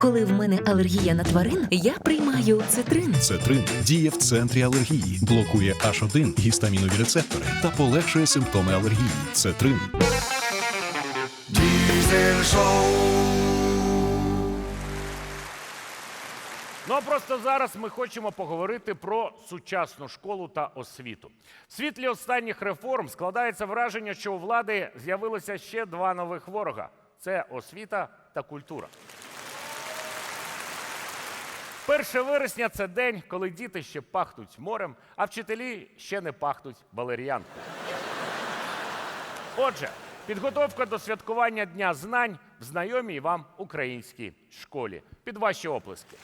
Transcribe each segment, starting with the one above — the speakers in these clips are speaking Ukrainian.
Коли в мене алергія на тварин, я приймаю цитрин. Цетрин діє в центрі алергії, блокує H1 гістамінові рецептори та полегшує симптоми алергії. Цетрин. Diesel Show. Ну, а просто зараз ми хочемо поговорити про сучасну школу та освіту. В світлі останніх реформ складається враження, що у влади з'явилося ще два нових ворога – це освіта та культура. 1 вересня – це день, коли діти ще пахнуть морем, а вчителі ще не пахнуть валеріанкою. Отже, підготовка до святкування Дня знань в знайомій вам українській школі. Під ваші оплески.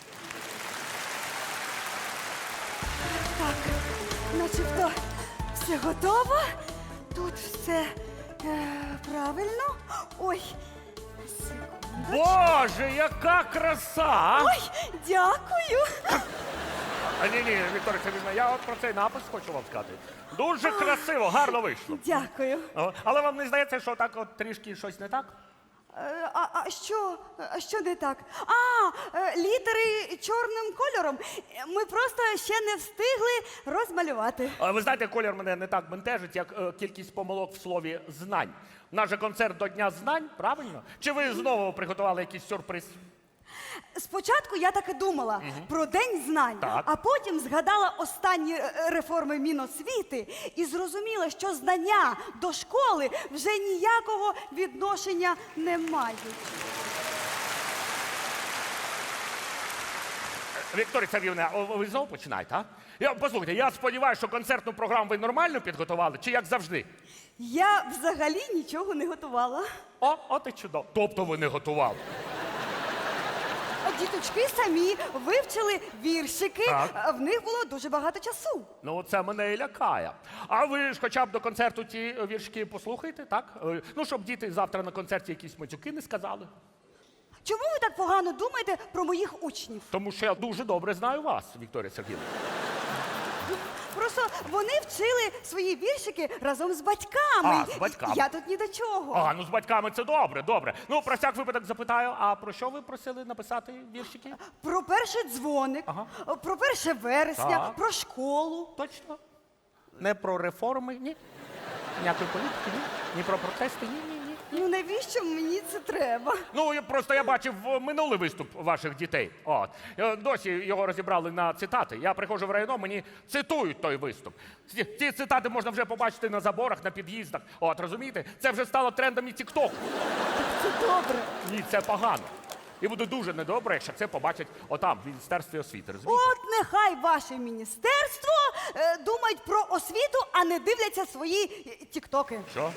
Так, начебто все готово. Тут все правильно. Ой, секунду. Боже, яка краса! Ой, дякую. Ні, Вікторія Сергіївна, я от про цей напис хочу вам сказати. Дуже красиво, гарно вийшло. Дякую. Але вам не здається, що так от трішки щось не так? А що не так? Літери чорним кольором. Ми просто ще не встигли розмалювати. Ви знаєте, колір мене не так бентежить, як кількість помилок в слові «знань». У нас же концерт до Дня знань, правильно? Чи ви знову приготували якийсь сюрприз? Спочатку я так і думала про День знань, Так. а потім згадала останні реформи Міносвіти і зрозуміла, що знання до школи вже ніякого відношення не мають. Вікторія Сергіївна, ви знову починаєте, а? Послухайте, я сподіваюся, що концертну програму ви нормально підготували, чи як завжди? Я взагалі нічого не готувала. От і чудово. Тобто ви не готували? Діточки самі вивчили віршики, Так. в них було дуже багато часу. Ну, це мене і лякає. А ви ж хоча б до концерту ті віршки послухайте, так? Ну, щоб діти завтра на концерті якісь матюки не сказали. Чому ви так погано думаєте про моїх учнів? Тому що я дуже добре знаю вас, Вікторія Сергіївна. Просто вони вчили свої віршики разом з батьками. З батьками. Я тут ні до чого. Ну з батьками це добре. Ну, про всяк випадок запитаю, а про що ви просили написати віршики? Про перший дзвоник, про 1 вересня, Так. про школу. Точно? Не про реформи, ні? Ніякої політики, ні? Ні про протести, ні. Ну навіщо мені це треба? Ну, я бачив минулий виступ ваших дітей. Досі його розібрали на цитати. Я приходжу в районо, мені цитують той виступ. Ці цитати можна вже побачити на заборах, на під'їздах. Розумієте? Це вже стало трендом і тік-току. Це добре. Ні, це погано. І буде дуже недобре, якщо це побачать отам, в Міністерстві освіти. Розумієте? От нехай ваше міністерство думають про освіту, а не дивляться свої тіктоки. Що?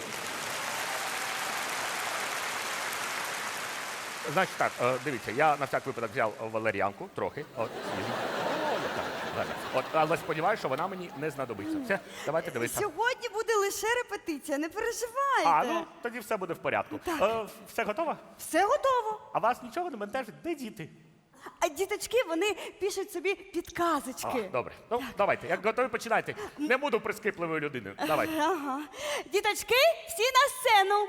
Значить так, дивіться, я на всяк випадок взяв валеріанку, трохи. Але сподіваюся, що вона мені не знадобиться. Все, давайте дивитися. Сьогодні буде лише репетиція, не переживайте. Тоді все буде в порядку. Так. Все готово? Все готово. А вас нічого не бентежить? Де діти? А діточки, вони пишуть собі підказочки. Добре. Ну, давайте, як готові, починайте. Не буду прискіпливою людиною. Давайте. Ага. Діточки, всі на сцену.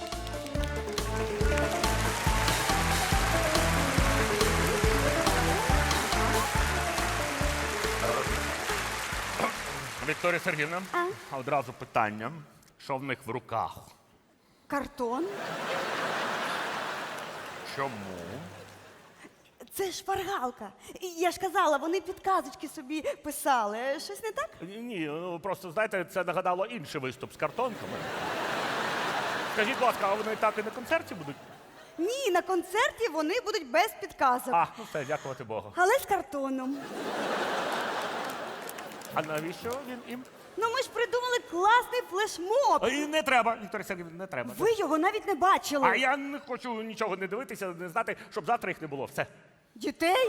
Вікторія Сергіївна, одразу питання. Що в них в руках? Картон. Чому? Це шпаргалка. Я ж казала, вони підказочки собі писали. Щось не так? Ні, просто, знаєте, це нагадало інший виступ з картонками. Скажіть, будь ласка, а вони так і на концерті будуть? Ні, на концерті вони будуть без підказок. Ну все, дякувати Богу. Але з картоном. А навіщо він їм? Ну ми ж придумали класний флешмоб. І не треба, Вікторія Сергіївна, не треба. Ви його навіть не бачили. А я не хочу нічого не дивитися, не знати, щоб завтра їх не було. Все. Дітей?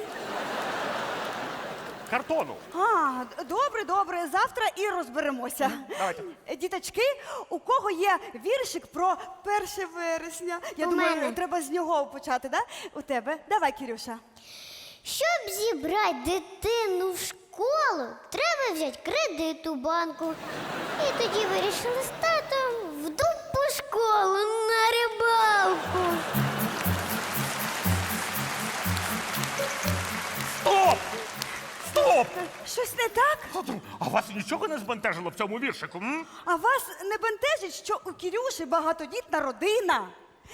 Картону. Добре. Завтра і розберемося. Давайте. Діточки, у кого є віршик про 1 вересня? Я У думаю, мене. треба з нього почати, да? У тебе. Давай, Кирюша. Щоб зібрати дитину в школу, треба взяти кредит у банку. І тоді вирішили з татом в дупу школу на рибалку. Стоп! Щось не так? А вас нічого не збентежило в цьому віршику? М? А вас не бентежить, що у Кірюші багатодітна родина?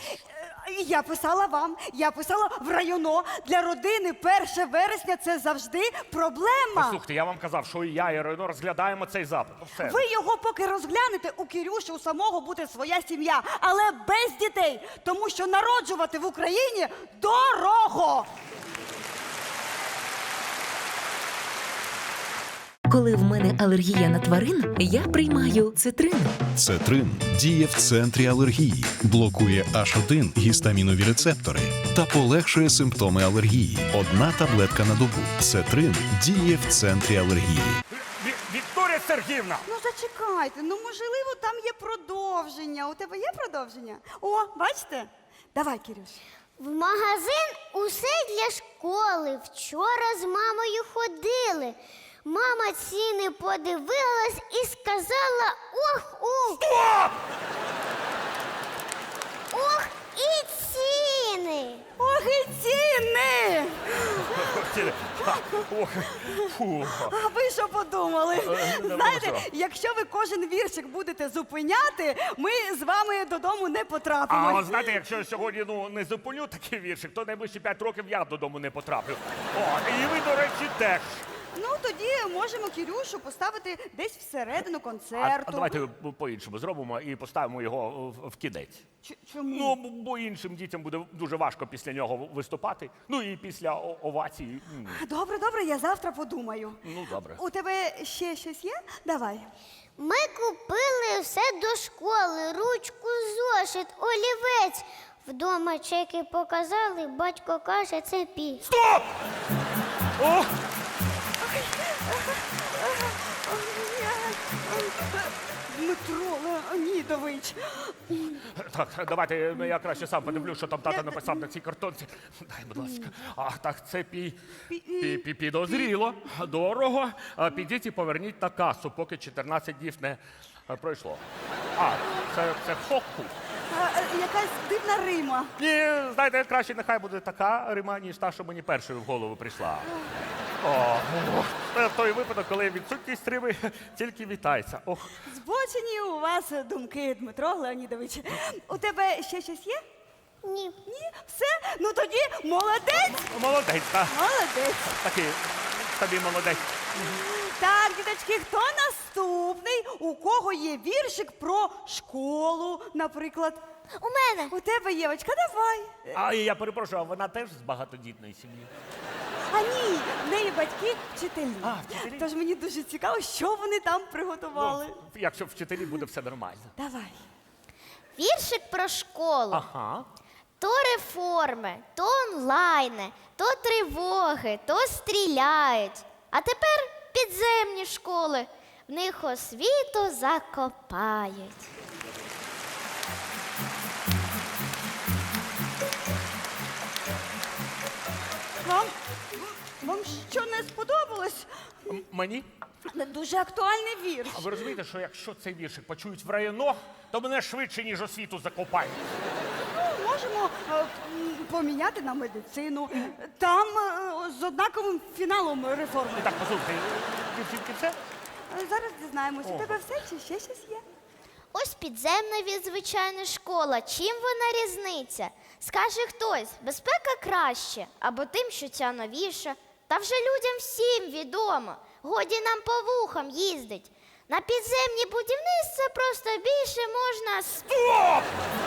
Я писала в районо. Для родини 1 вересня – це завжди проблема. Послухайте, я вам казав, що і я, і Рено розглядаємо цей запит. Все. Ви його поки розглянете, у Кірюші у самого буде своя сім'я, але без дітей, тому що народжувати в Україні дорого. Коли в мене алергія на тварин, я приймаю цитрин. Цетрин діє в центрі алергії, блокує H1 гістамінові рецептори та полегшує симптоми алергії. Одна таблетка на добу. Цетрин діє в центрі алергії. Вікторія Сергіївна! Ну зачекайте, можливо там є продовження. У тебе є продовження? О, бачите? Давай, Кірюш. В магазин усе для школи. Вчора з мамою ходили. Мама ціни подивилась і сказала ох. Ох і ціни. Ох і ціни! Ох, фу. А ви що подумали? Не Знаєте, можу. якщо ви кожен віршик будете зупиняти, ми з вами додому не А потрапимо. от знаєте, якщо я сьогодні не зупиню такий віршик, то найближчі 5 років я додому не потраплю. О, і ви, до речі, теж. Ну, тоді можемо Кірюшу поставити десь всередину А концерту. давайте по-іншому зробимо і поставимо його в кінець. Чому? Ну, бо іншим дітям буде дуже важко після нього виступати. Ну і після овації. Добре, я завтра подумаю. Ну, добре. У тебе ще щось є? Давай. Ми купили все до школи, ручку, зошит, олівець. Вдома чеки показали, батько каже, це пі. Стоп! О! Дмитро Леонідович. Так, давайте я краще сам подивлюсь, що там тато написав на цій картонці. Дай, будь ласка. А, так, це підозріло, дорого. Підіть і поверніть на касу, поки 14 днів не пройшло. А, це хокку. Якась дивна Рима. Ні, знаєте, краще нехай буде така Рима, ніж та, що мені першою в голову прийшла. О, це в той випадок, коли відсутність Рими тільки вітається. Ох. Збочені у вас думки, Дмитро Леонідович. У тебе ще щось є? Ні. Ні? Все? Ну тоді молодець! Молодець, так. Молодець. Такий тобі молодець. Так, діточки, хто наступний? У кого є віршик про школу, наприклад? У мене. У тебе, Євочка, давай. А я перепрошую, а вона теж з багатодітної сім'ї? А ні, в неї батьки вчителі. А, вчителі? Тож мені дуже цікаво, що вони там приготували. Ну, якщо вчителі буде все нормально. Давай. Віршик про школу. Ага. То реформи, то онлайни, то тривоги, то стріляють. А тепер підземні школи. В них освіту закопають. Вам що не сподобалось? Мені? Дуже актуальний вірш. А ви розумієте, що якщо цей віршик почують в районо, то мене швидше, ніж освіту закопають. Можемо поміняти на медицину. Там з однаковим фіналом реформи. Так, послухайте, дівчинки, все? Зараз дізнаємось, у Ого. тебе все чи ще щось є? Ось підземна від звичайної школа. Чим вона різниця? Скаже хтось, безпека краще, або тим, що ця новіша. Та вже людям всім відомо. Годі нам по вухам їздить. На підземні будівництва просто більше можна Стоп!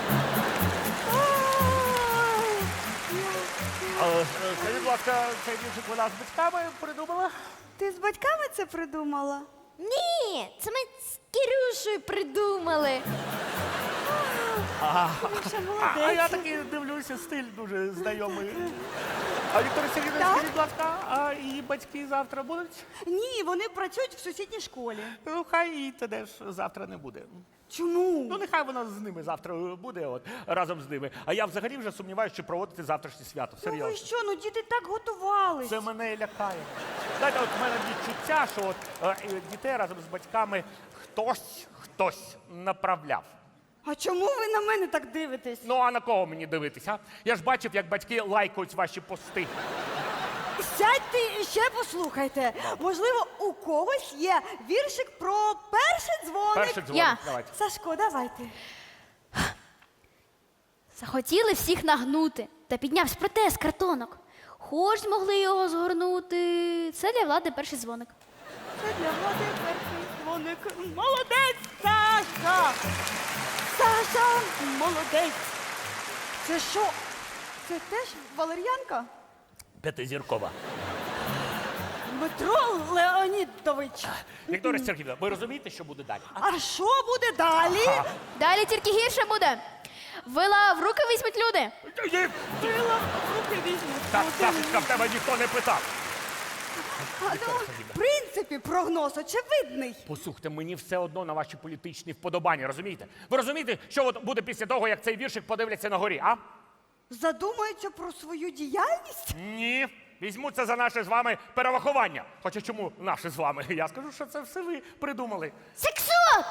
Скажіть, будь ласка, цей віршик вона з батьками придумала? Ти з батьками це придумала? Ні, це ми з Кірюшею придумали. Кірюша, А я молодець. такий дивлюся, стиль дуже знайомий. А Вікторія Сергійовна, Так? скажіть, будь ласка, а її батьки завтра будуть? Ні, вони працюють в сусідній школі. Ну, хай її теж завтра не буде. Чому? Ну, нехай вона з ними завтра буде, от, разом з ними. А я взагалі вже сумніваюся, що проводити завтрашнє свято. Ну ви Серйозно. що, діти так готувались. Це мене лякає. Знаєте, от в мене відчуття, що от, дітей разом з батьками хтось направляв. А чому ви на мене так дивитесь? Ну, а на кого мені дивитися? Я ж бачив, як батьки лайкають ваші пости. Сядьте і ще послухайте. Можливо, у когось є віршик про перший дзвоник. Перший дзвоник, Я. давайте. Сашко, давайте. Захотіли всіх нагнути, та піднявся протез картонок. Хоч змогли його згорнути. Це для влади перший дзвоник. Це для влади перший дзвоник. Молодець, Саша! Саша, молодець! Це що? Це теж валер'янка? П'ятизіркова. Дмитро Леонідович. Вікторія Сергіївна, ви розумієте, що буде далі? А що буде далі? Далі тільки гірше буде. Вила в руки візьмуть люди. Крила в руки візьмуть. Так, Сашечка, в тебе ніхто не питав. В принципі, прогноз очевидний. Послухайте, мені все одно на ваші політичні вподобання, розумієте? Ви розумієте, що от буде після того, як цей віршик подивляться на горі, а? Задумаються про свою діяльність? Ні. Візьмуться за наше з вами перерахування. Хоча чому наше з вами? Я скажу, що це все ви придумали. Сексот!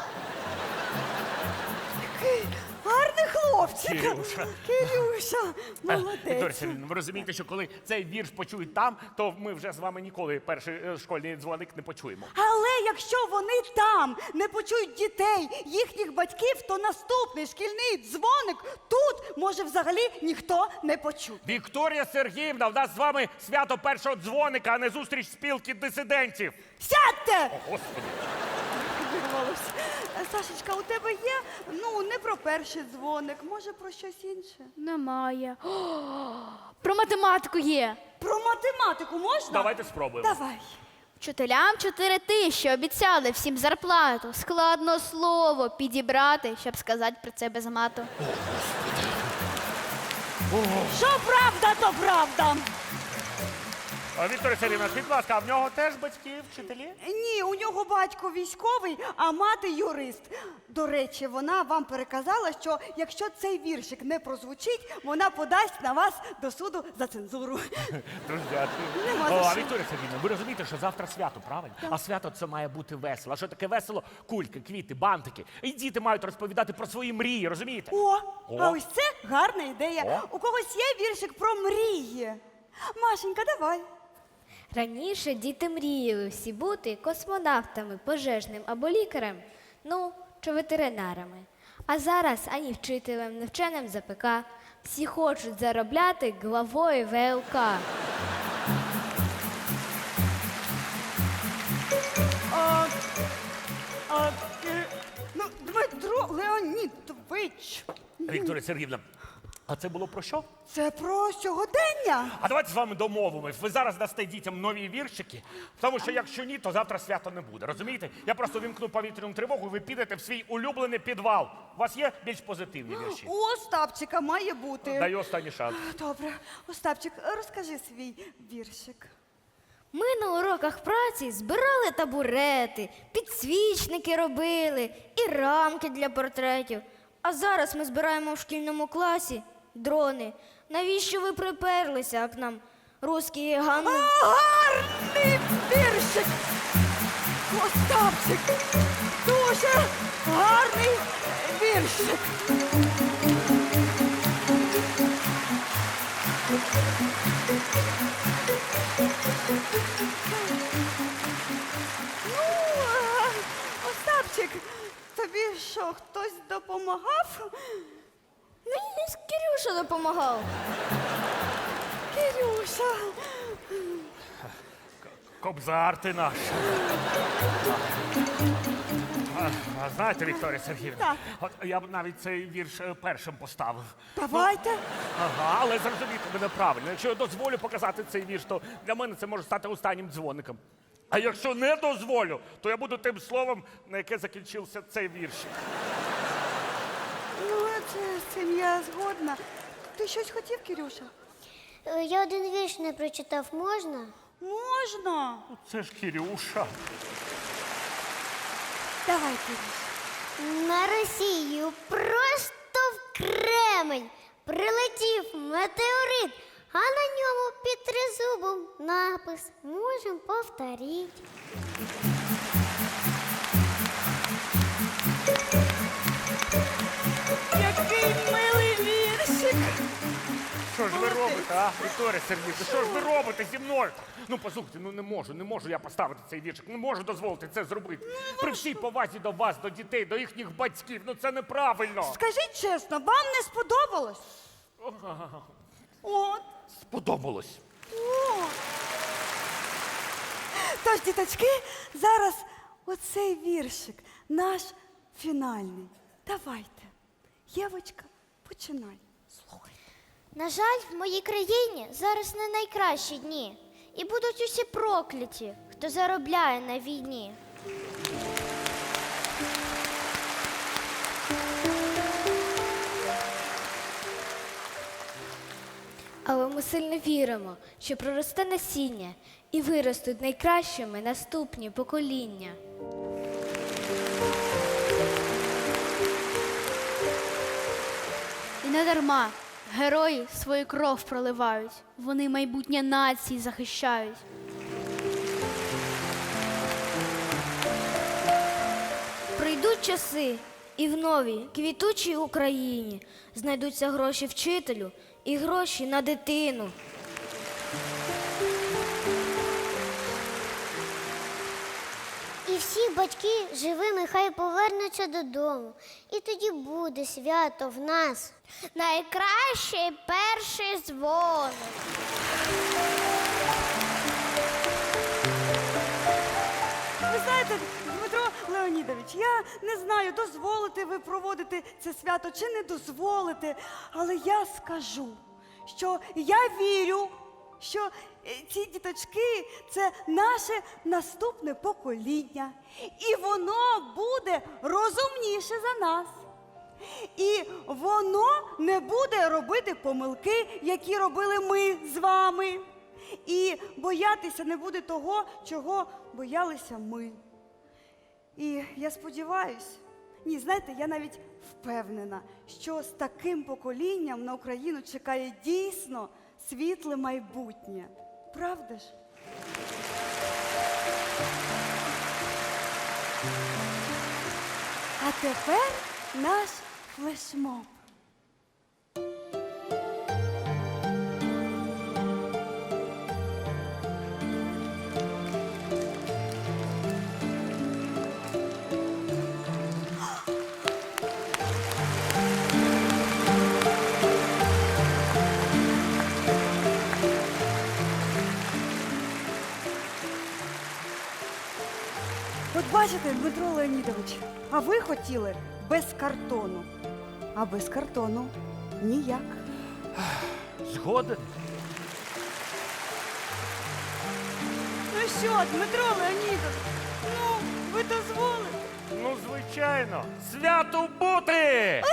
Гарний хлопчик. Кирюша. Кирюша, Вікторія молодець. Сергіївна, ви розумієте, що коли цей вірш почують там, то ми вже з вами ніколи перший школьний дзвоник не почуємо. Але якщо вони там не почують дітей, їхніх батьків, то наступний шкільний дзвоник тут може взагалі ніхто не почути. Вікторія Сергіївна, в нас з вами свято першого дзвоника, а не зустріч спілки дисидентів. Сядьте! О, Господи. Вирвалось. Сашечка, у тебе є, не про перший дзвоник, може про щось інше? Немає. Про математику є. Про математику можна? Давайте спробуємо. Давай. Вчителям 4 тисячі обіцяли всім зарплату. Складно слово підібрати, щоб сказати про це без мату. Що правда, то правда. Вікторія Сергіївна, скажіть, будь ласка, а в нього теж батьки, вчителі? Ні, у нього батько військовий, а мати юрист. До речі, вона вам переказала, що якщо цей віршик не прозвучить, вона подасть на вас до суду за цензуру. Дуже дякую. Нема за А що. Вікторія Сергіївна, ви розумієте, що завтра свято, правильно? А свято це має бути весело. А що таке весело? Кульки, квіти, бантики. І діти мають розповідати про свої мрії, розумієте? А ось це гарна ідея. У когось є віршик про мрії. Машенька, давай. Раніше діти мріяли всі бути космонавтами, пожежним або лікарем, чи ветеринарами. А зараз ані вчителем, ні вченим з АПК. Всі хочуть заробляти главою ВЛК. Дмитро Леонідович, Вікторія Сергіївна, а це було про що? це про сьогодення. А давайте з вами домовимось. Ви зараз дасте дітям нові віршики, тому що якщо ні, то завтра свято не буде. Розумієте? Я просто вімкну повітряну тривогу, і ви підете в свій улюблений підвал. У вас є більш позитивні вірші? У Остапчика має бути. Даю останній шанс. Добре, Остапчик, розкажи свій віршик. Ми на уроках праці збирали табурети, підсвічники робили і рамки для портретів. А зараз ми збираємо в шкільному класі дрони. Навіщо ви приперлися, як нам русські гани? Гарний віршик! Остапчик! Дуже гарний віршик! Остапчик, тобі що, хтось допомагав? Мені Кирюша допомагав. Кирюша! Кобзар ти наш. А знаєте, Вікторія Сергіївна, Так. от я б навіть цей вірш першим поставив. Давайте. Ага, але зрозумійте мене правильно. Якщо я дозволю показати цей вірш, то для мене це може стати останнім дзвоником. А якщо не дозволю, то я буду тим словом, на яке закінчився цей вірш. З цим я згодна. Ти щось хотів, Кирюша? Я один вірш не прочитав, можна? Можна. Це ж Кирюша. Давай, Кирюша. На Росію просто в Кремль прилетів метеорит, а на ньому під тризубом напис «Можем повторить». Який милий віршик. що ж ви робите, а? Вікторія Сергіївна, що ж ви робите зі мною? Ну, послухайте, ну не можу я поставити цей віршик, не можу дозволити це зробити. При всій повазі до вас, до дітей, до їхніх батьків, ну це неправильно. Скажіть чесно, вам не сподобалось? От. Сподобалось. Тож, діточки, зараз оцей віршик, наш фінальний. Давайте. Євочка, починай. Слухай. На жаль, в моїй країні зараз не найкращі дні. І будуть усі прокляті, хто заробляє на війні. Але ми сильно віримо, що проросте насіння і виростуть найкращими наступні покоління. І не дарма герої свою кров проливають. Вони майбутнє нації захищають. Прийдуть часи, і в новій квітучій Україні знайдуться гроші вчителю і гроші на дитину. І всі батьки живими хай повернуться додому. І тоді буде свято в нас. Найкращий перший дзвоник. Ви знаєте, Дмитро Леонідович, я не знаю, дозволите ви проводити це свято чи не дозволите, але я скажу, що я вірю, що ці діточки – це наше наступне покоління. І воно буде розумніше за нас. І воно не буде робити помилки, які робили ми з вами. І боятися не буде того, чого боялися ми. І я сподіваюся, ні, знаєте, я навіть впевнена, що з таким поколінням на Україну чекає дійсно світле майбутнє. Правда ж? А тепер наш флешмоб. От бачите, Дмитро Леонідович, а ви хотіли без картону. А без картону ніяк. Згоден? Ну що, Дмитро Леонідович, ну, ви дозволите? Ну, звичайно. Свято бути!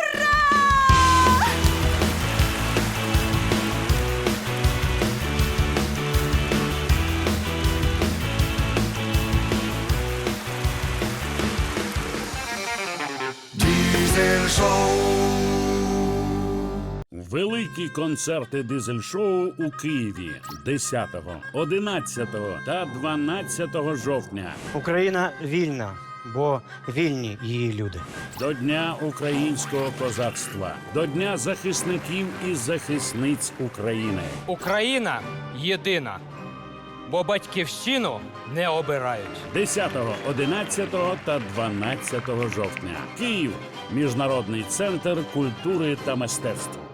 Великі концерти дизель-шоу у Києві 10, 11 та 12 жовтня. Україна вільна, бо вільні її люди. До Дня українського козацтва, до Дня захисників і захисниць України. Україна єдина, бо батьківщину не обирають. 10, 11 та 12 жовтня. Київ. Міжнародний центр культури та мистецтв.